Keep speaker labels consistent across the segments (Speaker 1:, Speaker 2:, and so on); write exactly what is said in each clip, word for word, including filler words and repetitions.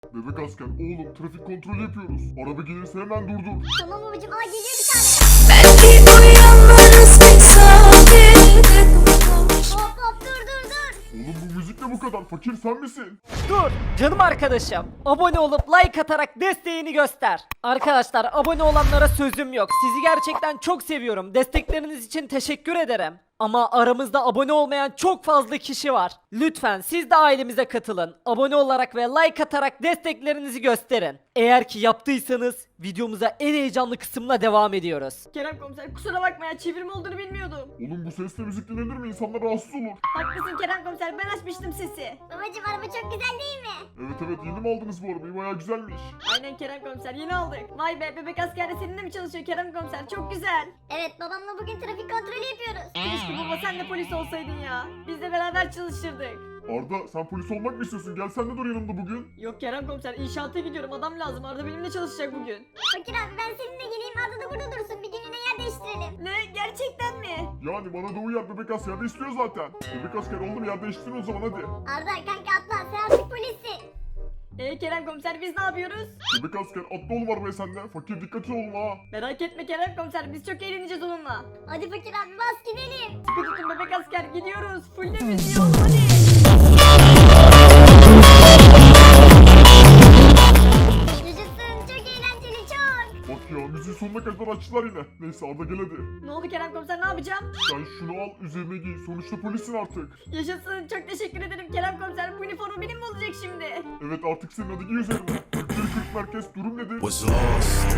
Speaker 1: Bebek asker oğlum trafik kontrolü yapıyoruz. Araba gelirse hemen durdur.
Speaker 2: Tamam babacım, aa geliyor bir tane.
Speaker 3: Belki uyanırız misafir.
Speaker 2: Hop hop, dur dur dur.
Speaker 1: Oğlum bu müzik ne bu kadar? Fakir sen misin?
Speaker 4: Dur canım arkadaşım. Abone olup like atarak desteğini göster. Arkadaşlar abone olanlara sözüm yok. Sizi gerçekten çok seviyorum. Destekleriniz için teşekkür ederim. Ama aramızda abone olmayan çok fazla kişi var. Lütfen siz de ailemize katılın. Abone olarak ve like atarak desteklerinizi gösterin. Eğer ki yaptıysanız videomuza en heyecanlı kısımla devam ediyoruz.
Speaker 5: Kerem komiser kusura bakma ya, çevirme olduğunu bilmiyordum.
Speaker 1: Oğlum bu sesle müzik dinlenir mi? İnsanlar rahatsız olur.
Speaker 5: Haklısın Kerem komiser, ben açmıştım sesi.
Speaker 2: Babacım araba çok güzel değil mi?
Speaker 1: Evet evet yeni mi aldınız bu arabayı? Bayağı güzelmiş.
Speaker 5: Aynen Kerem komiser, yeni aldık. Vay be, bebek askerde seninle mi çalışıyor Kerem komiser, çok güzel.
Speaker 2: Evet, babamla bugün trafik kontrolü yapıyoruz.
Speaker 5: Keşke baba sen de polis olsaydın ya. Biz de beraber çalışırdık.
Speaker 1: Arda sen polis olmak mı istiyorsun? Gel sen de dur yanımda bugün.
Speaker 5: Yok Kerem komiser, inşaata gidiyorum, adam lazım. Arada benimle çalışacak bugün.
Speaker 2: Fakir abi, ben seninle geleyim, Arda da burada dursun, bir günlüğüne yer değiştirelim.
Speaker 5: Ne, gerçekten mi?
Speaker 1: Yani bana da uyar bebek asker de istiyor zaten. Bebek asker oğlum yer değiştirin o zaman hadi.
Speaker 2: Arda kanka atla, sen artık polissin.
Speaker 5: Ee Kerem komiser, biz ne yapıyoruz?
Speaker 1: Bebek asker atla oğlum arabaya sen de. Fakir dikkat et oğlum ha.
Speaker 5: Merak etme Kerem komiser, biz çok eğleneceğiz onunla.
Speaker 2: Hadi Fakir abi, bas gidelim.
Speaker 5: Sıkı tutun bebek asker, gidiyoruz. Full de müziği oğlum, hadi.
Speaker 2: Yaşasın, çok eğlenceli, çok.
Speaker 1: Bak ya müziği sonuna kadar açtılar yine. Neyse Arda gel hadi.
Speaker 5: Ne oldu Kerem komiser, ne yapacağım?
Speaker 1: Sen şunu al üzerine giy. Sonuçta polissin artık.
Speaker 5: Yaşasın, çok teşekkür ederim Kerem komiser. Bu üniforma benim mi olacak şimdi?
Speaker 1: Evet artık senin hadi giy üzerine. kırk kırk merkez durum nedir?
Speaker 6: Was lost.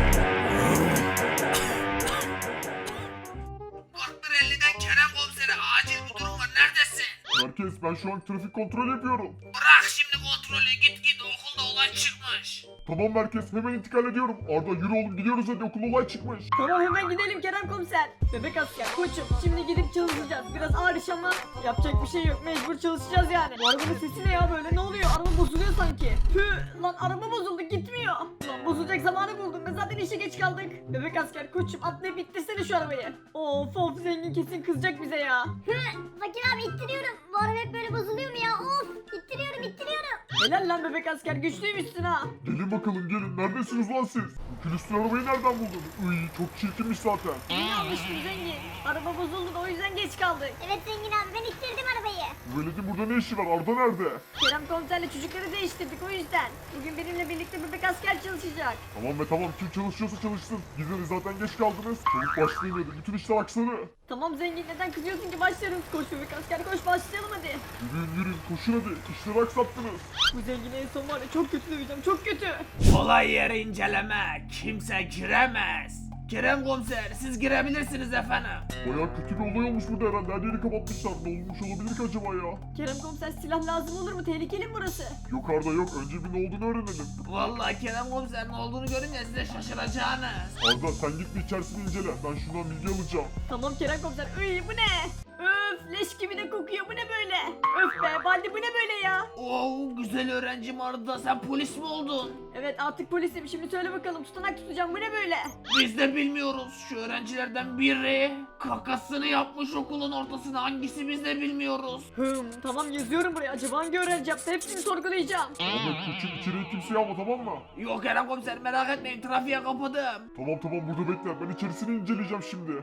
Speaker 7: dört bir elliden Kerem komisere acil bir durum var, neredesin?
Speaker 1: Merkez ben şu an trafik kontrolü yapıyorum.
Speaker 7: Bırak şimdi kontrolü, git git, okulda olay çıkmış.
Speaker 1: Tamam merkez hemen intikal ediyorum. Arda yürü oğlum gidiyoruz hadi okulda olay çıkmış.
Speaker 5: Tamam, hemen gidelim Kerem komiser. Bebek asker koçum, şimdi gidip çalışacağız. Biraz ağır iş ama yapacak bir şey yok, mecbur çalışacağız yani. Bu arabanın sesi ne ya böyle, ne oluyor? Araba bozuluyor sanki. Tüh lan, araba bozuldu, gitmiyor. Lan bozulacak zamanı buldum, ben zaten işe geç kaldık. Bebek asker koçum, atlayıp ittirsene şu arabayı. Of of, zengin kesin kızacak bize ya.
Speaker 2: Hı, Fakir abi ittiriyorum. Bu araba hep böyle bozuluyor mu ya? Of, ittiriyorum ittiriyorum.
Speaker 5: Helal lan bebek asker, güçlüymüşsün ha.
Speaker 1: Gelin bakalım gelin. Neredesiniz lan siz? Bu külüstür arabayı nereden buldun? Iy çok çirkinmiş zaten.
Speaker 5: İyi almıştım zengin. Araba bozuldu da o yüzden geç kaldık.
Speaker 2: Evet zengin abi, ben ittirdim arabayı.
Speaker 1: Bu veledin burada ne işi var? Arda nerede?
Speaker 5: Kerem komiserle çocukları değiştirdik o yüzden. Bugün benimle birlikte bebek asker çalışacak.
Speaker 1: Tamam be tamam kim çalışıyorsa çalışsın. Gidin zaten geç kaldınız. Çabuk başlayın hadi. Bütün işler aksana.
Speaker 5: Tamam zengin, neden kızıyorsun ki, başlarız. Koş bebek asker koş, başlayalım hadi.
Speaker 1: Yürüyün yürüyün koşun hadi. İşleri aksattınız.
Speaker 5: Bu zengini en son var ya, çok kötü döveceğim, çok kötü.
Speaker 7: Olay yeri inceleme, kimse giremez. Kerem komiser, siz girebilirsiniz efendim.
Speaker 1: Baya kötü bir olay olmuş burada herhalde. Her yeri kapatmışlar. Ne olmuş olabilir ki acaba ya?
Speaker 5: Kerem komiser, silah lazım olur mu? Tehlikeli mi burası?
Speaker 1: Yok Arda yok. Önce bir ne olduğunu öğrenelim.
Speaker 7: Vallahi Kerem komiser, ne olduğunu görünce size şaşıracaksınız.
Speaker 1: Arda sen git bir içerisini incele. Ben şundan bilgi alacağım.
Speaker 5: Tamam Kerem komiser. Iy, bu ne? Öf, leş gibi de kokuyor, bu ne böyle? Öf be Baldi, bu ne böyle ya?
Speaker 7: Oo, güzel öğrencim Arda, sen polis mi oldun?
Speaker 5: Evet, artık polisim. Şimdi söyle bakalım, tutanak tutacağım, bu ne böyle?
Speaker 7: Biz de bilmiyoruz. Şu öğrencilerden biri kakasını yapmış okulun ortasına, hangisi biz de bilmiyoruz.
Speaker 5: Hım, tamam yazıyorum buraya. Acaba hangi öğrenci yaptı? Hepsini sorgulayacağım.
Speaker 1: Arda koçum içeriye kimseyi alma tamam mı?
Speaker 7: Yok Kerem komiser, merak etmeyin, trafiğe kapadım.
Speaker 1: Tamam tamam burada bekle. Ben içerisini inceleyeceğim şimdi.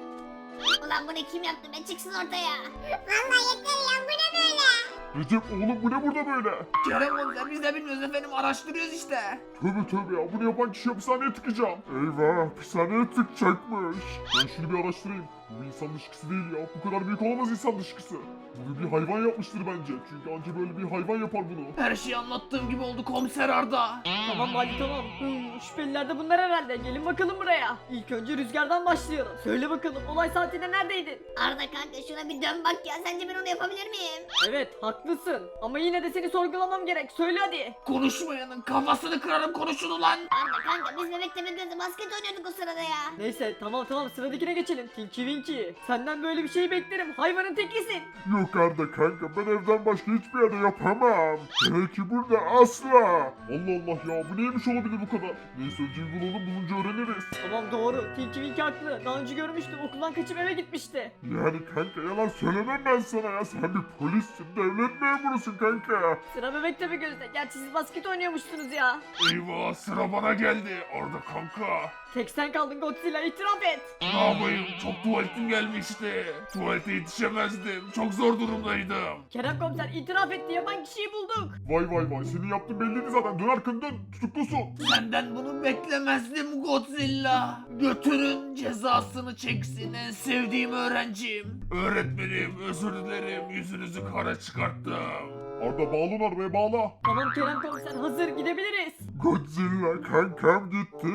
Speaker 2: Ulan bunu kim yaptı be, çıksın ortaya. Vallahi yeter ya, bu ne böyle?
Speaker 1: Recep oğlum bu ne burada böyle?
Speaker 7: Kerem komiser, biz de bilmiyoruz efendim, araştırıyoruz işte.
Speaker 1: Tövbe tövbe ya bunu yapan kişi hapishaneye tıkacağım. Eyvah hapishaneye tıkacakmış. Ben şunu bir araştırayım. Bu bir insan dışkısı değil ya. Bu kadar büyük olamaz insan dışkısı. Bunu bir hayvan yapmıştır bence. Çünkü anca böyle bir hayvan yapar bunu.
Speaker 7: Her şeyi anlattığım gibi oldu komiser Arda.
Speaker 5: Tamam Baldi tamam. Hım, şüpheliler de bunlar herhalde. Gelin bakalım buraya. İlk önce Rüzgar'dan başlayalım. Söyle bakalım, olay saatinde neredeydin?
Speaker 2: Arda kanka şuna bir dön bak ya, sence ben onu yapabilir miyim?
Speaker 5: Evet, haklısın. Ama yine de seni sorgulamam gerek. Söyle hadi.
Speaker 7: Konuşmayanın kafasını kırarım, konuşun ulan.
Speaker 2: Arda kanka biz bebekle birlikte basket oynuyorduk o sırada ya.
Speaker 5: Neyse, tamam tamam, sıradakine geçelim. Tinky Tinky. Senden böyle bir şey beklerim. Hayvanın tekisin.
Speaker 1: Yok Arda kanka ben evden başka hiçbir yerde yapamam. Hele ki burada asla. Allah Allah ya bu neymiş olabilir bu kadar. Neyse önce bir bulalım bulunca öğreniriz.
Speaker 5: Tamam doğru. Tinky Winky haklı. Daha önce görmüştüm. Okuldan kaçıp eve gitmişti.
Speaker 1: Yani kanka yalan söylemem ben sana ya. Sen bir polissin, devlet memurusun kanka.
Speaker 5: Sıra bebek tabi gözde. Gerçi siz basket oynuyormuşsunuz ya.
Speaker 7: Eyvah sıra bana geldi. Arda kanka.
Speaker 5: Tek sen kaldın Godzilla, itiraf et.
Speaker 7: Ne yapayım? Çok tuvaletim gelmişti. Tuvalete yetişemezdim. Çok zor durumdaydım.
Speaker 5: Kerem komiser itiraf etti, yapan kişiyi bulduk.
Speaker 1: Vay vay vay senin yaptığın belliydi zaten. Dön arkanı dön tutuklusun.
Speaker 7: Senden bunu beklemezdim Godzilla. Götürün cezasını çeksin en sevdiğim öğrencim. Öğretmenim özür dilerim yüzünüzü kara çıkarttım.
Speaker 1: Arda bağla onu arabaya bağla.
Speaker 5: Tamam Kerem komiser, hazır, gidebiliriz.
Speaker 1: Godzilla kankam gitti.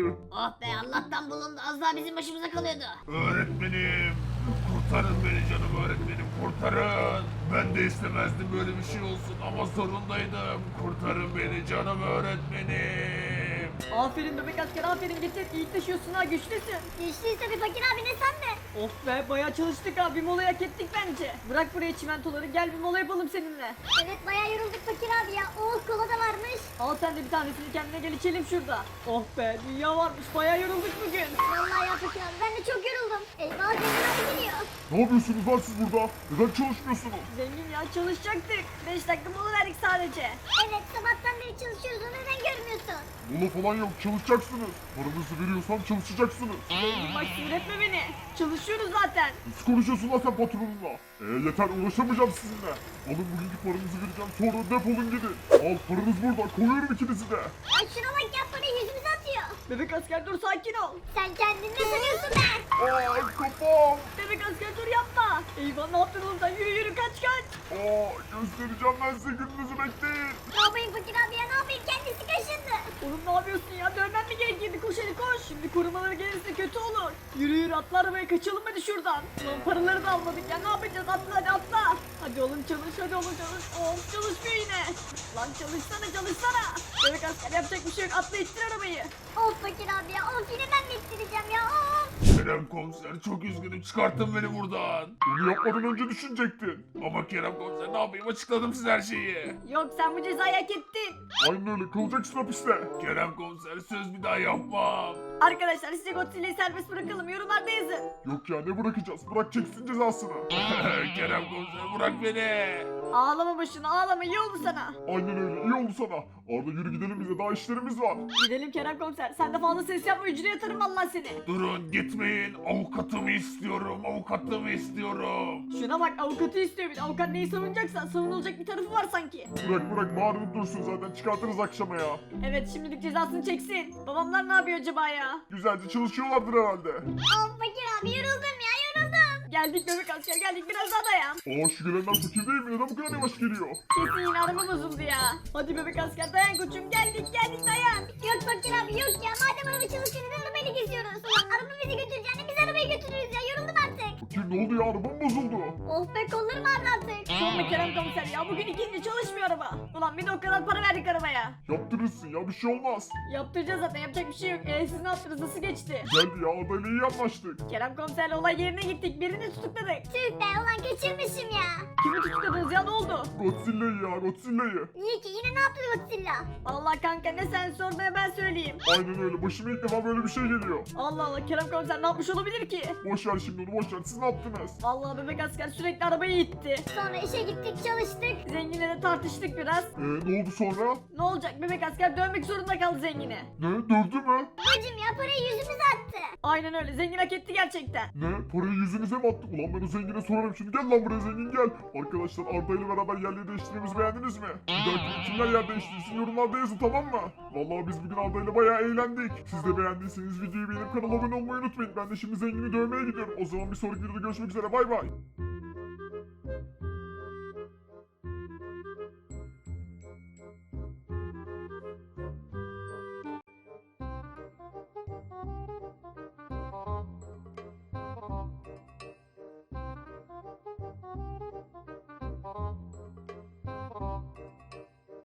Speaker 2: Oh be Allah'tan bulundu. Az daha bizim başımıza kalıyordu.
Speaker 7: Öğretmenim kurtarın beni canım öğretmenim kurtarın. Ben de istemezdim böyle bir şey olsun ama zorundaydım. Kurtarın beni canım öğretmenim.
Speaker 5: Aferin bebek asker, aferin, getir. İyi taşıyorsun ha, güçlüsün.
Speaker 2: Güçlüyse bir fakir abi ne sen de.
Speaker 5: Of be, bayağı çalıştık ha, bir mola hak ettik bence. Bırak buraya çimentoları, gel bir mola yapalım seninle.
Speaker 2: Evet bayağı yorulduk fakir abi ya. Oh kola da varmış.
Speaker 5: Al sen de bir tanesini kendine, gel içelim şurada. Oh be, dünya varmış, bayağı yorulduk bugün.
Speaker 2: Vallahi ya fakir abi ben de çok yoruldum. Eyvah zengin abi geliyor.
Speaker 1: Ne yapıyorsunuz lan siz burada? Neden çalışmıyorsunuz?
Speaker 5: Zengin ya, çalışacaktık. beş dakika mola verdik sadece.
Speaker 2: Evet sabahtan beri çalışıyoruz onu neden görmüyorsun?
Speaker 1: Mola falan yok çalışacaksınız. Paranızı veriyorsam çalışacaksınız.
Speaker 5: Zengin bak, sinir etme beni. Çalışıyoruz zaten.
Speaker 1: Nasıl konuşuyorsun lan sen patronunla? Eee yeter uğraşamayacağım sizinle. Alın bugünkü paranızı vereceğim sonra defolun gidin. Al paranız burada koyuyorum ikinizi de.
Speaker 2: Ay şuna bak ya parayı yüzümüze atıyor.
Speaker 5: Bebek asker dur, sakin ol.
Speaker 2: Sen kendini ne sanıyorsun be?
Speaker 1: Aa kafam.
Speaker 5: Bebek asker dur, yapma. Eyvah, ne yaptın oğlum sen? Yürü yürü, kaç kaç.
Speaker 1: Aa göstereceğim ben size gününüzü bekleyin.
Speaker 2: Ne yapayım fakir abi ya ne yapayım kendisi kaşındı.
Speaker 5: Oğlum ne yapıyorsun ya? Dövmen mi gerekirdi? Koş hadi koş. Şimdi korumaları gelirse kötü olur. Yürü yürü, atla arabaya, kaçalım hadi şuradan. Ulan paraları da almadık ya, ne yapacağız? Atla hadi atla. Hadi oğlum çalış, hadi oğlum çalış. Of çalışmıyor yine. Lan çalışsana çalışsana. Bebek asker yapacak bir şey yok, atla ittir arabayı.
Speaker 2: Of fakir abi ya of yine ben mi ittireceğim ya of.
Speaker 7: Kerem komiser çok üzgünüm çıkartın beni buradan.
Speaker 1: Bunu yapmadan önce düşünecektin.
Speaker 7: Ama Kerem komiser ne yapayım açıkladım size her şeyi.
Speaker 5: Yok, sen bu cezayı hak ettin.
Speaker 1: Aynen öyle kalacaksın hapiste.
Speaker 7: Kerem komiser söz bir daha yapmam.
Speaker 5: Arkadaşlar size Godzilla'yı serbest bırakalım, yorumlarda yazın.
Speaker 1: Yok ya ne bırakacağız bırak çeksin cezasını.
Speaker 7: Kerem komiser bırak beni.
Speaker 5: Ağlama boşuna, ağlama, iyi oldu sana.
Speaker 1: Aynen öyle iyi oldu sana. Arda yürü gidelim bize daha işlerimiz var.
Speaker 5: Gidelim Kerem komiser, sen de fazla ses yapma, hücreye atarım vallahi seni.
Speaker 7: Durun gitmeyin avukatımı istiyorum avukatımı istiyorum.
Speaker 5: Şuna bak, avukatı istiyor bir de. Avukat neyi savunacaksa savunulacak bir tarafı var sanki.
Speaker 1: Bırak bırak bağırıp dursun zaten çıkartırız akşama ya.
Speaker 5: Evet, şimdilik cezasını çeksin. Babamlar ne yapıyor acaba ya?
Speaker 1: Güzelce çalışıyorlardır herhalde.
Speaker 2: Of fakir abi yoruldum ya yoruldum.
Speaker 5: Geldik bebek asker, geldik, biraz daha dayan.
Speaker 1: Aa şu gelenler fakir değil mi? Neden bu kadar yavaş geliyor?
Speaker 5: Kesin yine araba bozuldu ya. Hadi bebek asker dayan koçum, geldik geldik dayan.
Speaker 2: Yok fakir abi yok ya madem araba çalışıyor neden arabayla geziyoruz? Ulan araba bizi götüreceğine biz arabayı götürürüz ya yoruldum artık.
Speaker 1: Fakir ne oldu ya arabam bozuldu.
Speaker 2: Of be kollarım ağrıdı artık.
Speaker 5: Sorma Kerem komiser ya, bugün ikinci çalışmıyor araba. Ulan bir de o kadar para verdik arabaya.
Speaker 1: Yaptırırsın ya bir şey olmaz.
Speaker 5: Yaptıracağız zaten, yapacak bir şey yok. Ee, siz ne yaptınız, nasıl geçti?
Speaker 1: Geldi ya Arda ile iyi anlaştık.
Speaker 5: Kerem komiserle olay yerine gittik, birini tutukladık.
Speaker 2: Tüh be ulan kaçırmışım ya.
Speaker 5: Kimi tutukladınız ya, ne oldu?
Speaker 1: Godzilla'yı ya Godzilla'yı.
Speaker 2: Niye ki yine ne yaptı Godzilla?
Speaker 5: Allah kanka, ne sen sor ne ben söyleyeyim.
Speaker 1: Aynen öyle başıma ilk defa böyle bir şey geliyor.
Speaker 5: Allah Allah, Kerem komiser ne yapmış olabilir ki?
Speaker 1: Boş ver şimdi onu boş ver siz ne yaptınız?
Speaker 5: Vallahi bebek asker sürekli arabayı itti.
Speaker 2: Sonra işe gittik çalıştık.
Speaker 5: Zenginle de tartıştık biraz.
Speaker 1: Eee ne oldu sonra?
Speaker 5: Ne olacak, bebek asker dövmek zorunda kaldı zengini.
Speaker 1: Ne dövdü mü?
Speaker 2: Bacım ya parayı yüzümüze attı.
Speaker 5: Aynen öyle, zengin hak etti gerçekten.
Speaker 1: Ne? Parayı yüzünüze mi attık? Ulan ben o zengine sorarım şimdi. Gel lan buraya zengin gel. Arkadaşlar Arda ile beraber yerleri değiştirmemizi beğendiniz mi? Bir dahaki kimler yer değiştirsin yorumlarda yazın tamam mı? Vallahi biz bugün Arda ile bayağı eğlendik. Siz de beğendiyseniz videoyu beğenip kanala abone olmayı unutmayın. Ben de şimdi zengini dövmeye gidiyorum. O zaman bir sonraki videoda görüşmek üzere bay bay.